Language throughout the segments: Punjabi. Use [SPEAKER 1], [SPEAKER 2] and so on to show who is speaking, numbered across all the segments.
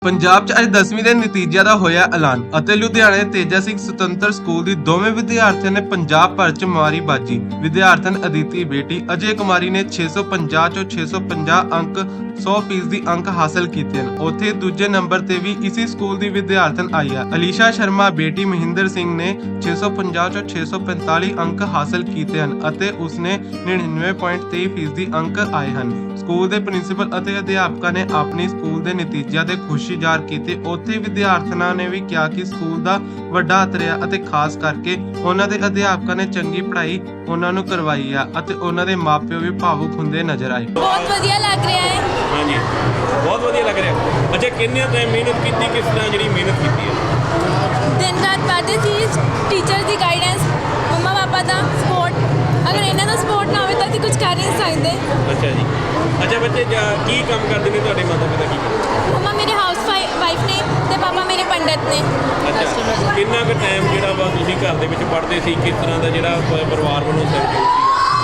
[SPEAKER 1] ਪੰਜਾਬ 'ਚ ਅੱਜ 10ਵੀਂ ਦੇ ਨਤੀਜਿਆਂ ਦਾ ਹੋਇਆ ਐਲਾਨ ਅਤੇ ਲੁਧਿਆਣੇ ਦੇ ਤੇਜਾ ਸਿੰਘ ਸੁਤੰਤਰ ਸਕੂਲ ਦੀ ਦੋਵੇਂ ਵਿਦਿਆਰਥੀਆਂ ਨੇ ਪੰਜਾਬ ਭਰ 'ਚ ਮਾਰੀ ਬਾਜੀ। ਵਿਦਿਆਰਥਣ ਅਦਿਤੀ ਬੇਟੀ ਅਜੇ ਕੁਮਾਰੀ ਨੇ 650 ਚੋਂ 650 ਅੰਕ 100% ਅੰਕ ਹਾਸਲ ਕੀਤੇ ਹਨ। ਉੱਥੇ ਦੂਜੇ ਨੰਬਰ ਤੇ ਵੀ ਇਸੇ ਸਕੂਲ ਦੀ ਵਿਦਿਆਰਥਣ ਆਈ ਹੈ। ਅਲੀਸ਼ਾ ਸ਼ਰਮਾ ਬੇਟੀ ਮਹਿੰਦਰ ਸਿੰਘ ਨੇ 650 ਚੋਂ 645 ਅੰਕ ਹਾਸਲ ਕੀਤੇ ਹਨ ਅਤੇ ਉਸਨੇ 99.23% ਅੰਕ ਆਏ ਹਨ। ਸਕੂਲ ਦੇ ਪ੍ਰਿੰਸੀਪਲ ਅਤੇ ਅਧਿਆਪਕਾਂ ਨੇ ਆਪਣੀ ਸਕੂਲ ਦੇ ਨਤੀਜਿਆਂ ਤੇ ਖੁਸ਼ੀ ਜ਼ਾਹਰ ਕੀਤੀ। ਉੱਥੇ ਵਿਦਿਆਰਥਣਾਂ ਨੇ ਵੀ ਕਿਹਾ ਕਿ ਸਕੂਲ ਦਾ ਵੱਡਾ ਹੱਥ ਰਿਹਾ ਅਤੇ ਖਾਸ ਕਰਕੇ ਉਹਨਾਂ ਦੇ ਅਧਿਆਪਕਾਂ ਨੇ ਚੰਗੀ ਪੜ੍ਹਾਈ ਉਹਨਾਂ ਨੂੰ ਕਰਵਾਈ ਹੈ ਅਤੇ ਉਹਨਾਂ ਦੇ ਮਾਪਿਓ ਵੀ ਭਾਵੁਕ ਹੁੰਦੇ ਨਜ਼ਰ ਆਏ।
[SPEAKER 2] ਬਹੁਤ ਵਧੀਆ ਲੱਗ ਰਿਹਾ ਹੈ।
[SPEAKER 3] ਹਾਂਜੀ, ਬਹੁਤ ਵਧੀਆ ਲੱਗ ਰਿਹਾ। ਅੱਛਾ, ਕਿੰਨੇ ਟਾਈਮ ਮਿਹਨਤ ਕੀਤੀ, ਕਿਸ ਤਰ੍ਹਾਂ ਜਿਹੜੀ ਮਿਹਨਤ ਕੀਤੀ ਹੈ?
[SPEAKER 2] ਦਿਨ ਰਾਤ ਪੜ੍ਹਦੇ ਸੀ, ਟੀਚਰ ਦੀ ਗਾਈਡੈਂਸ, ਮੰਮਾ ਪਾਪਾ ਦਾ ਸਪੋਰਟ। ਅਗਰ ਇਹਨਾਂ ਦਾ ਸਪੋਰਟ ਨਾ ਹੋਵੇ ਤਾਂ ਅਸੀਂ ਕੁਝ ਕਰ ਨਹੀਂ ਸਕਦੇ।
[SPEAKER 3] ਅੱਛਾ ਜੀ। ਅੱਛਾ, ਬੱਚੇ ਕੀ ਕੰਮ ਕਰਦੇ ਨੇ? ਤੁਹਾਡੇ ਮਾਤਾ ਪਿਤਾ ਕੀ ਕਰਦੇ?
[SPEAKER 2] ਮੰਮਾ ਮੇਰੇ ਹਾਊਸ ਵਾਈਫ ਨੇ ਤੇ ਪਾਪਾ ਮੇਰੇ ਪੰਡਤ ਨੇ।
[SPEAKER 3] ਅੱਛਾ, ਕਿੰਨਾ ਕੁ ਟਾਈਮ ਜਿਹੜਾ ਵਾ ਤੁਸੀਂ ਘਰ ਦੇ ਵਿੱਚ ਪੜ੍ਹਦੇ ਸੀ? ਕਿਸ ਤਰ੍ਹਾਂ ਦਾ ਜਿਹੜਾ ਪਰਿਵਾਰ ਵੱਲੋਂ ਸਹਿਯੋਗ ਸੀ?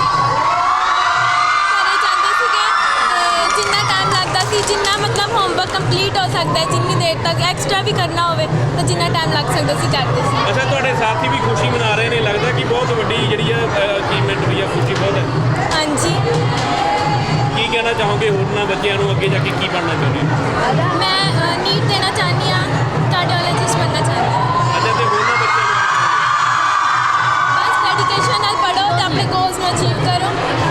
[SPEAKER 2] ਘਰੇ ਜਾਂਦੇ ਸੀਗੇ ਤੇ ਜਿੰਨਾ ਟਾਈਮ ਲੱਗਦਾ ਸੀ, ਜਿੰਨਾ ਮਤਲਬ ਹੋਮਵਰਕ ਕੰਪਲੀਟ ਹੋ ਸਕਦਾ ਹੈ, ਜਿੰਨੀ ਦੇਰ ਤੱਕ ਐਕਸਟਰਾ ਵੀ ਕਰਨਾ ਹੋਵੇ ਤਾਂ ਜਿੰਨਾ ਟਾਈਮ ਲੱਗ ਸਕਦਾ ਸੀ ਕਰਦੇ ਸੀ।
[SPEAKER 3] ਅੱਛਾ, ਤੁਹਾਡੇ ਸਾਥੀ ਵੀ ਖੁਸ਼ੀ ਮਨਾ ਰਹੇ ਨੇ, ਲੱਗਦਾ ਕਿ ਬਹੁਤ ਵੱਡੀ ਜਿਹੜੀ ਆ ਅਚੀਵਮੈਂਟ ਹੋਈ ਆ, ਖੁਸ਼ੀ ਬਹੁਤ ਹੈ।
[SPEAKER 2] ਹਾਂਜੀ,
[SPEAKER 3] ਕੀ ਕਹਿਣਾ ਚਾਹੋਗੇ ਹੋਰਨਾਂ ਬੱਚਿਆਂ ਨੂੰ, ਅੱਗੇ ਜਾ ਕੇ ਕੀ ਬਣਨਾ ਚਾਹੁੰਦੇ ਹੋ?
[SPEAKER 2] ਮੈਂ ਨੀਟ ਦੇਣਾ ਚਾਹੁੰਦੀ ਹਾਂ, ਕਾਰਡੀਓਲੋਜਿਸਟ ਬਣਨਾ ਚਾਹੁੰਦੀ ਹਾਂ।
[SPEAKER 3] ਅੱਛਾ, ਤੇ ਹੋਰਨਾਂ ਬੱਚਿਆਂ ਨੂੰ
[SPEAKER 2] ਬਸ ਡੈਡੀਕੇਸ਼ਨ ਨਾਲ ਪੜ੍ਹੋ ਤੇ ਆਪਣੇ ਗੋਲਸ ਨੂੰ ਅਚੀਵ ਕਰੋ।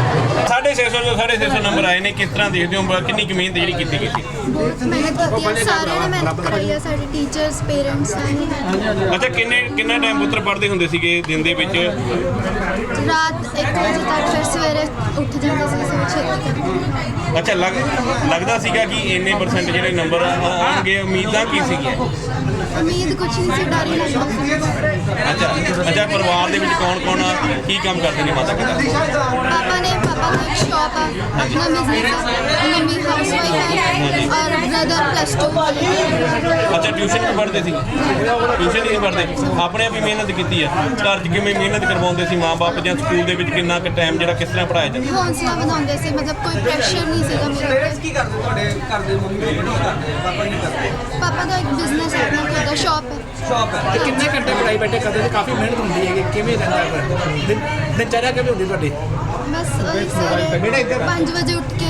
[SPEAKER 3] 650 ਨੰਬਰ ਆਏ ਨੇ, ਕਿਸ ਤਰ੍ਹਾਂ ਦੇਖਦੇ ਹੋ? ਕਿੰਨੀ ਕੁ ਮਿਹਨਤ ਜਿਹੜੀ ਕੀਤੀ ਗਈ ਸੀ?
[SPEAKER 4] ਬਹੁਤ ਮਿਹਨਤ ਕੀਤੀ ਹੈ, ਸਾਰਿਆਂ ਨੇ ਮਿਹਨਤ ਕਰੀ ਹੈ, ਸਾਡੇ ਟੀਚਰਸ, ਪੇਰੈਂਟਸ ਨੇ।
[SPEAKER 3] ਅੱਛਾ, ਕਿੰਨਾ ਟਾਈਮ ਪੁੱਤਰ ਪੜ੍ਹਦੇ ਹੁੰਦੇ ਸੀਗੇ ਦਿਨ ਦੇ ਵਿੱਚ?
[SPEAKER 4] ਰਾਤ 1 ਵਜੇ ਤੱਕ, ਫਿਰ ਸਵੇਰੇ ਉੱਠ ਜਾਂਦੇ ਸੀ ਸਵੇਰੇ ਛੇਤੀ ਕਰਕੇ।
[SPEAKER 3] ਅੱਛਾ, ਲੱਗਦਾ ਸੀਗਾ ਕਿ ਇੰਨੇ ਪਰਸੈਂਟ ਜਿਹੜੇ ਨੰਬਰ ਆਉਣਗੇ? ਉਮੀਦਾਂ ਕੀ ਸੀਗੀਆਂ?
[SPEAKER 4] ਉਮੀਦ ਕੁਛ ਨਹੀਂ ਸੀ, ਡਰ ਹੀ ਲੱਗਦਾ ਸੀ।
[SPEAKER 3] ਅੱਛਾ, ਪਰਿਵਾਰ ਦੇ ਵਿੱਚ ਕੌਣ ਕੀ ਕੰਮ ਕਰਦੇ ਨੇ ਮਾਤਾ ਪਿਤਾ?
[SPEAKER 4] ਪਾਪਾ ਦਾ ਇੱਕ ਸ਼ੌਪ ਆ, ਆਪਣਾ ਬਿਜ਼ਨਸ ਹੈ, ਮੰਮੀ ਹਾਊਸ ਵਾਈਫ ਹੈ ਔਰ ਬ੍ਰਦਰ +2।
[SPEAKER 3] ਅੱਛਾ, ਟਿਊਸ਼ਨ ਵੀ ਪੜ੍ਹਦੇ ਸੀ? ਟਿਊਸ਼ਨ ਨਹੀਂ ਪੜ੍ਹਦੇ, ਆਪਣੇ ਆਪ ਹੀ ਮਿਹਨਤ ਕੀਤੀ ਹੈ। ਘਰ 'ਚ ਕਿਵੇਂ ਮਿਹਨਤ ਕਰਵਾਉਂਦੇ ਸੀ ਮਾਂ-ਬਾਪ, ਜਾਂ ਸਕੂਲ ਦੇ ਵਿੱਚ ਕਿੰਨਾ ਕੁ ਟਾਈਮ ਜਿਹੜਾ ਕਿਸ ਤਰ੍ਹਾਂ ਪੜ੍ਹਾਇਆ ਜਾਂਦਾ?
[SPEAKER 4] ਹੌਂਸਲਾ ਵਧਾਉਂਦੇ ਸੀ, ਮਤਲਬ ਕੋਈ ਪ੍ਰੈਸ਼ਰ ਨਹੀਂ ਸੀਗਾ ਮੇਰੇ
[SPEAKER 5] ਪੇਰੈਂਟਸ ਕੀ ਕਰਦੇ? ਤੁਹਾਡੇ ਘਰ ਦੇ ਮੰਮੀ ਕੀ ਕਰਦੇ? ਪਾਪਾ ਕੀ ਕਰਦੇ?
[SPEAKER 4] ਪਾਪਾ ਦਾ ਇੱਕ ਬਿਜ਼ਨਸ ਹੈ, ਆਪਣਾ ਖੁਦ ਦਾ ਸ਼ੌਪ ਹੈ।
[SPEAKER 5] ਸ਼ੌਪ ਹੈ।
[SPEAKER 6] ਤੇ ਕਿੰਨੇ ਘੰਟੇ ਪੜ੍ਹਾਈ ਬੈਠੇ ਕਰਦੇ ਸੀ? ਕਾਫੀ ਮਿਹਨਤ ਹੁੰਦੀ ਹੈ। ਕਿਵੇਂ ਰਹਿੰਦਾ ਦਿਨਚਰਿਆ ਕਿਵੇਂ ਹੁੰਦੀ ਤੁਹਾਡੀ?
[SPEAKER 4] ਬਸ ਸਵੇਰੇ 5 ਵਜੇ ਉੱਠ ਕੇ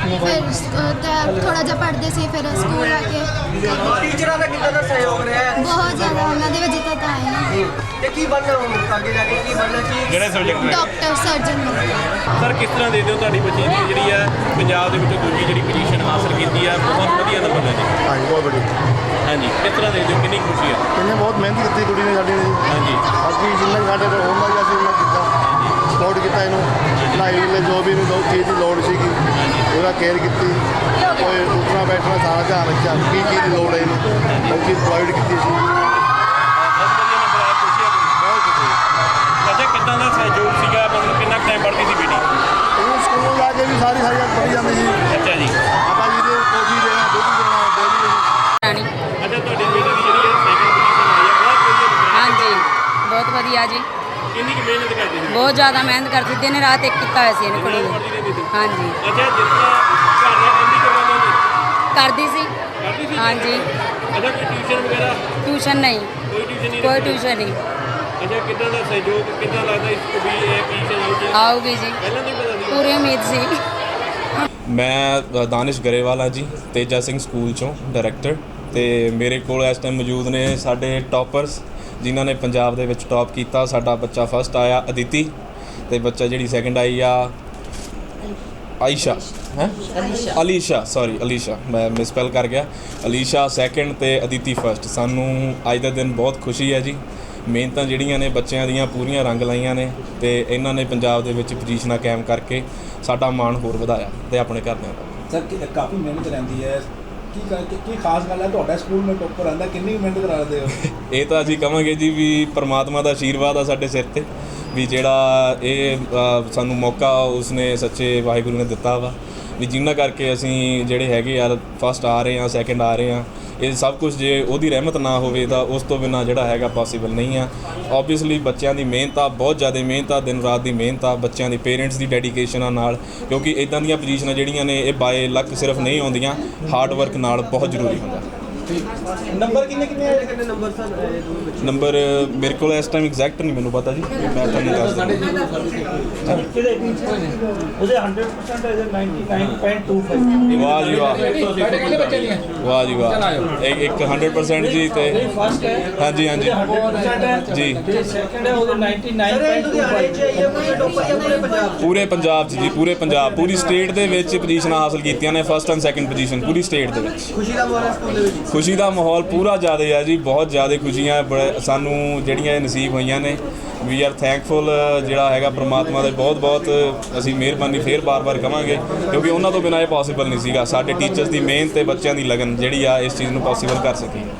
[SPEAKER 4] ਫਿਰ ਥੋੜਾ ਜਿਹਾ ਪੜ੍ਹਦੇ ਸੀ, ਫਿਰ ਸਕੂਲ ਆ ਕੇ
[SPEAKER 5] ਟੀਚਰਾਂ ਦਾ ਕਿੰਨਾ ਦਾ ਸਹਿਯੋਗ ਰਿਹਾ ਹੈ?
[SPEAKER 4] ਬਹੁਤ ਜ਼ਿਆਦਾ ਉਹਨਾਂ ਦੇ ਵਜੇ ਤੱਕ ਆਏ ਨੇ।
[SPEAKER 5] ਤੇ ਕੀ ਬਣਨਾ ਹੁਣ ਅੱਗੇ ਜਾ ਕੇ? ਕੀ ਬਣਨਾ? ਕੀ
[SPEAKER 3] ਜਿਹੜੇ ਸਬਜੈਕਟ ਨੇ?
[SPEAKER 4] Doctor, surgeon.
[SPEAKER 3] ਸਰ, ਕਿਸ ਤਰ੍ਹਾਂ ਦੇਖਦੇ ਹੋ ਤੁਹਾਡੀ ਬੱਚੀ ਦੀ ਜਿਹੜੀ ਆ ਪੰਜਾਬ ਦੇ ਵਿੱਚੋਂ ਦੂਜੀ ਜਿਹੜੀ ਪੋਜੀਸ਼ਨ ਹਾਸਲ ਕੀਤੀ ਆ? ਬਹੁਤ ਵਧੀਆ ਨੰਬਰ ਲੈ ਜੀ।
[SPEAKER 7] ਹਾਂਜੀ, ਬਹੁਤ ਬੜੀ।
[SPEAKER 3] ਹਾਂਜੀ, ਕਿਸ ਤਰ੍ਹਾਂ ਦੇਖਦੇ ਹੋ? ਕਿੰਨੀ ਖੁਸ਼ੀ ਆ?
[SPEAKER 7] ਇਹਨੇ ਬਹੁਤ ਮਿਹਨਤ ਕੀਤੀ ਕੁੜੀ ਨੇ ਸਾਡੀ ਨੇ।
[SPEAKER 3] ਹਾਂਜੀ
[SPEAKER 7] ਅਸੀਂ ਜਿੰਨਾ ਸਾਡੇ ਕੋਲ ਹੁੰਦਾ ਸੀ ਅਸੀਂ ਉਹਨਾਂ ਕੀਤਾ, ਸਪੋਰਟ ਕੀਤਾ ਇਹਨੂੰ। ਪੜ੍ਹਾਈ ਵੇਲੇ ਜੋ ਵੀ ਇਹਨੂੰ ਜੋ ਚੀਜ਼ ਦੀ ਲੋੜ ਸੀਗੀ ਉਹਦਾ ਕੇਅਰ ਕੀਤੀ। ਕੋਈ ਉੱਠਣਾ ਬੈਠਣਾ ਸਾਰਾ ਧਿਆਨ ਰੱਖਿਆ, ਕੀ ਚੀਜ਼ ਦੀ ਲੋੜ ਹੈ ਇਹਨੂੰ ਉਹ ਚੀਜ਼ ਪ੍ਰੋਵਾਈਡ ਕੀਤੀ ਸੀ।
[SPEAKER 3] ਬਹੁਤ ਵਧੀਆ ਨੰਬਰ ਆਇਆ, ਖੁਸ਼ੀ ਆ ਬੜੀ।
[SPEAKER 7] ਬਹੁਤ ਕੁਝ।
[SPEAKER 3] ਅੱਛਾ, ਕਿੱਦਾਂ ਦਾ ਸਹਿਯੋਗ ਸੀਗਾ? ਮਤਲਬ ਕਿੰਨਾ ਟਾਈਮ ਪੜ੍ਹਦੀ ਸੀ ਬੇਟੀ?
[SPEAKER 7] ਇਹਨੂੰ ਸਕੂਲ ਜਾ ਕੇ ਵੀ ਸਾਰੀ ਪੜ੍ਹੀ ਜਾਂਦੀ ਸੀ।
[SPEAKER 3] ਅੱਛਾ ਜੀ।
[SPEAKER 7] ਆਪਾਂ ਜੀ ਦੇ ਕੋਫੀ ਦੇਣਾ, ਦੁੱਧ ਦੇਣਾ, ਡੇਲੀ।
[SPEAKER 3] ਅੱਛਾ, ਤੁਹਾਡੀ ਬੇਟੀ ਦੀ ਜਿਹੜੀ ਹੈ ਸੈਕਿੰਡ ਪੋਜੀਸ਼ਨ ਆਈ ਹੈ, ਬਹੁਤ ਵਧੀਆ ਨੰਬਰ ਆਇਆ।
[SPEAKER 8] ਹਾਂਜੀ, ਬਹੁਤ ਵਧੀਆ ਜੀ।
[SPEAKER 3] ਕਿੰਨੀ ਕੁ ਮਿਹਨਤ ਕਰਦੀ ਸੀ?
[SPEAKER 8] ਬਹੁਤ ਜ਼ਿਆਦਾ ਮਿਹਨਤ ਕਰਦੀ, ਦਿਨ ਰਾਤ ਇੱਕ ਕੀਤਾ ਹੋਇਆ ਸੀ ਇਹਨੇ ਕੁੜੀ ਨੇ।
[SPEAKER 3] ਪੜ੍ਹਦੀ ਰਹਿੰਦੀ ਸੀ?
[SPEAKER 8] ਹਾਂਜੀ,
[SPEAKER 3] ਅੱਛਾ, ਜਿਸ ਤਰ੍ਹਾਂ ਘਰ ਦਾ ਕੰਮ ਵੀ ਕਰਵਾਉਂਦੇ ਨੇ?
[SPEAKER 8] ਕਰਦੀ ਸੀ।
[SPEAKER 3] ਕਰਦੀ ਸੀ?
[SPEAKER 8] ਹਾਂਜੀ।
[SPEAKER 3] ਅੱਛਾ, ਕੋਈ ਟਿਊਸ਼ਨ ਵਗੈਰਾ?
[SPEAKER 8] ਟਿਊਸ਼ਨ ਨਹੀਂ,
[SPEAKER 3] ਕੋਈ ਟਿਊਸ਼ਨ ਨਹੀਂ
[SPEAKER 8] ਕੋਈ
[SPEAKER 3] ਰੱਖੀ?
[SPEAKER 8] ਟਿਊਸ਼ਨ ਨਹੀਂ।
[SPEAKER 3] ਅੱਛਾ, ਕਿੱਦਾਂ ਦਾ ਸਹਿਯੋਗ, ਕਿੱਦਾਂ ਲੱਗਦਾ ਇਸ ਵੀ ਇਹ ਪੋਜੀਸ਼ਨ ਆਉਗੀ?
[SPEAKER 8] ਆਊਗੀ ਜੀ,
[SPEAKER 3] ਪਹਿਲਾਂ ਨਹੀਂ ਪਤਾ ਸੀ?
[SPEAKER 8] ਪੂਰੀ ਉਮੀਦ ਸੀ।
[SPEAKER 9] ਮੈਂ ਦਾਨਿਸ਼ ਗਰੇਵਾਲ ਹਾਂ ਜੀ, ਤੇਜਾ ਸਿੰਘ ਸਕੂਲ ਚੋਂ ਡਾਇਰੈਕਟਰ। ਤੇ ਮੇਰੇ ਕੋਲ ਇਸ ਟਾਈਮ ਮੌਜੂਦ ਨੇ ਸਾਡੇ ਟੌਪਰਸ ਜਿਨ੍ਹਾਂ ਨੇ ਪੰਜਾਬ ਦੇ ਵਿੱਚ ਟੌਪ ਕੀਤਾ। ਸਾਡਾ ਬੱਚਾ ਫਸਟ ਆਇਆ ਅਦਿਤੀ, ਤੇ ਬੱਚਾ ਜਿਹੜੀ ਸੈਕਿੰਡ ਆਈ ਆ ਆਇਸ਼ਾ ਹੈ ਅਲੀਸ਼ਾ, ਮੈਂ ਮਿਸਪੈਲ ਕਰ ਗਿਆ। ਅਲੀਸ਼ਾ ਸੈਕਿੰਡ ਤੇ ਅਦਿਤੀ ਫਸਟ। ਸਾਨੂੰ ਅੱਜ ਦਾ ਦਿਨ ਬਹੁਤ ਖੁਸ਼ੀ ਹੈ ਜੀ। ਮਿਹਨਤਾਂ ਜਿਹੜੀਆਂ ਨੇ ਬੱਚਿਆਂ ਦੀਆਂ ਪੂਰੀਆਂ ਰੰਗ ਲਾਈਆਂ ਨੇ ਤੇ ਇਹਨਾਂ ਨੇ ਪੰਜਾਬ ਦੇ ਵਿੱਚ ਪੋਜੀਸ਼ਨਾਂ ਕਾਇਮ ਕਰਕੇ ਸਾਡਾ ਮਾਣ ਹੋਰ ਵਧਾਇਆ ਤੇ ਆਪਣੇ ਘਰਦਿਆਂ ਦਾ।
[SPEAKER 6] ਸਰ, ਕਾਫੀ ਮਿਹਨਤ ਰਹਿੰਦੀ ਹੈ। ਕੀ ਖਾਸ ਗੱਲ ਹੈ ਤੁਹਾਡਾ ਸਕੂਲ ਮੇਂ ਟੋਪਰ ਆਉਂਦਾ? ਕਿੰਨੀ ਮਿਹਨਤ ਕਰਾਉਂਦੇ ਹੋ?
[SPEAKER 9] ਇਹ ਤਾਂ ਅਸੀਂ ਕਹਾਂਗੇ ਜੀ ਵੀ ਪਰਮਾਤਮਾ ਦਾ ਆਸ਼ੀਰਵਾਦ ਆ ਸਾਡੇ ਸਿਰ ਤੇ, ਵੀ ਜਿਹੜਾ ਇਹ ਸਾਨੂੰ ਮੌਕਾ ਉਸਨੇ ਸੱਚੇ ਵਾਹਿਗੁਰੂ ਨੇ ਦਿੱਤਾ ਵਾ, ਵੀ ਜਿਨ੍ਹਾਂ ਕਰਕੇ ਅਸੀਂ ਜਿਹੜੇ ਹੈਗੇ ਆ ਫਸਟ ਆ ਰਹੇ ਹਾਂ, ਸੈਕਿੰਡ ਆ ਰਹੇ ਹਾਂ। ਇਹ ਸਭ ਕੁਝ ਜੇ ਉਹਦੀ ਰਹਿਮਤ ਨਾ ਹੋਵੇ ਤਾਂ ਉਸ ਤੋਂ ਬਿਨਾਂ ਜਿਹੜਾ ਹੈਗਾ ਪੋਸੀਬਲ ਨਹੀਂ ਆ। ਓਬਵੀਅਸਲੀ ਬੱਚਿਆਂ ਦੀ ਮਿਹਨਤ ਆ, ਬਹੁਤ ਜ਼ਿਆਦਾ ਮਿਹਨਤ ਆ, ਦਿਨ ਰਾਤ ਦੀ ਮਿਹਨਤ ਆ, ਬੱਚਿਆਂ ਦੀ ਪੇਰੈਂਟਸ ਦੀ ਡੈਡੀਕੇਸ਼ਨ ਆ ਨਾਲ, ਕਿਉਂਕਿ ਇੱਦਾਂ ਦੀਆਂ ਪੋਜੀਸ਼ਨਾਂ ਜਿਹੜੀਆਂ ਨੇ ਇਹ ਬਾਏ ਲੱਕ ਸਿਰਫ ਨਹੀਂ ਆਉਂਦੀਆਂ, ਹਾਰਡ ਵਰਕ ਨਾਲ ਬਹੁਤ ਜ਼ਰੂਰੀ ਹੁੰਦਾ।
[SPEAKER 6] ਨੰਬਰ ਕਿੰਨੇ ਆਏ?
[SPEAKER 5] ਕਿੰਨੇ ਨੰਬਰ ਸਰ ਦੋਵੇਂ ਬੱਚੇ
[SPEAKER 9] ਨੰਬਰ ਮੇਰੇ ਕੋਲ ਇਸ ਟਾਈਮ ਐਗਜ਼ੈਕਟ ਨਹੀਂ ਮੈਨੂੰ ਪਤਾ ਜੀ, ਮੈਂ ਤੁਹਾਨੂੰ ਦੱਸ ਦਿੰਦਾ।
[SPEAKER 6] ਉਹਦੇ 100% ਹੈ 99.25
[SPEAKER 9] ਵਾਹ ਜੀ ਵਾਹ, ਵਾਹ ਜੀ ਵਾਹ, ਇੱਕ 100% ਜੀ ਤੇ
[SPEAKER 6] ਫਸਟ ਹੈ
[SPEAKER 9] ਹਾਂਜੀ ਹਾਂਜੀ
[SPEAKER 6] 100% ਹੈ
[SPEAKER 9] ਜੀ,
[SPEAKER 6] ਤੇ ਸੈਕੰਡ ਹੈ ਉਹਦੇ 99.25
[SPEAKER 9] ਪੂਰੇ ਪੰਜਾਬ 'ਚ ਜੀ, ਪੂਰੇ ਪੰਜਾਬ, ਪੂਰੀ ਸਟੇਟ ਦੇ ਵਿੱਚ ਪੋਜੀਸ਼ਨਾਂ ਹਾਸਲ ਕੀਤੀਆਂ ਨੇ, ਫਸਟ ਐਂਡ ਸੈਕੰਡ ਪੋਜੀਸ਼ਨ ਪੂਰੀ ਸਟੇਟ ਦੇ ਵਿੱਚ।
[SPEAKER 5] ਖੁਸ਼ੀ ਦਾ ਮਾਹੌਲ ਹੈ ਸਕੂਲ ਦੇ ਵਿੱਚ।
[SPEAKER 9] ਖੁਸ਼ੀ ਦਾ ਮਾਹੌਲ ਪੂਰਾ ਜ਼ਿਆਦਾ ਹੈ ਜੀ, ਬਹੁਤ ਜ਼ਿਆਦਾ ਖੁਸ਼ੀਆਂ ਸਾਨੂੰ ਜਿਹੜੀਆਂ ਇਹ ਨਸੀਬ ਹੋਈਆਂ ਨੇ। ਵੀ ਆਰ ਥੈਂਕਫੁਲ, ਜਿਹੜਾ ਹੈਗਾ ਪ੍ਰਮਾਤਮਾ ਦੇ ਬਹੁਤ ਬਹੁਤ ਅਸੀਂ ਮਿਹਰਬਾਨੀ ਫੇਰ ਬਾਰ-ਬਾਰ ਕਵਾਂਗੇ, ਕਿਉਂਕਿ ਉਹਨਾਂ ਤੋਂ ਬਿਨਾਂ ਇਹ ਪੋਸੀਬਲ ਨਹੀਂ ਸੀਗਾ। ਸਾਡੇ ਟੀਚਰਸ ਦੀ ਮਿਹਨਤ ਤੇ ਬੱਚਿਆਂ ਦੀ ਲਗਨ ਜਿਹੜੀ ਆ ਇਸ ਚੀਜ਼ ਨੂੰ ਪੋਸੀਬਲ ਕਰ ਸਕੀ।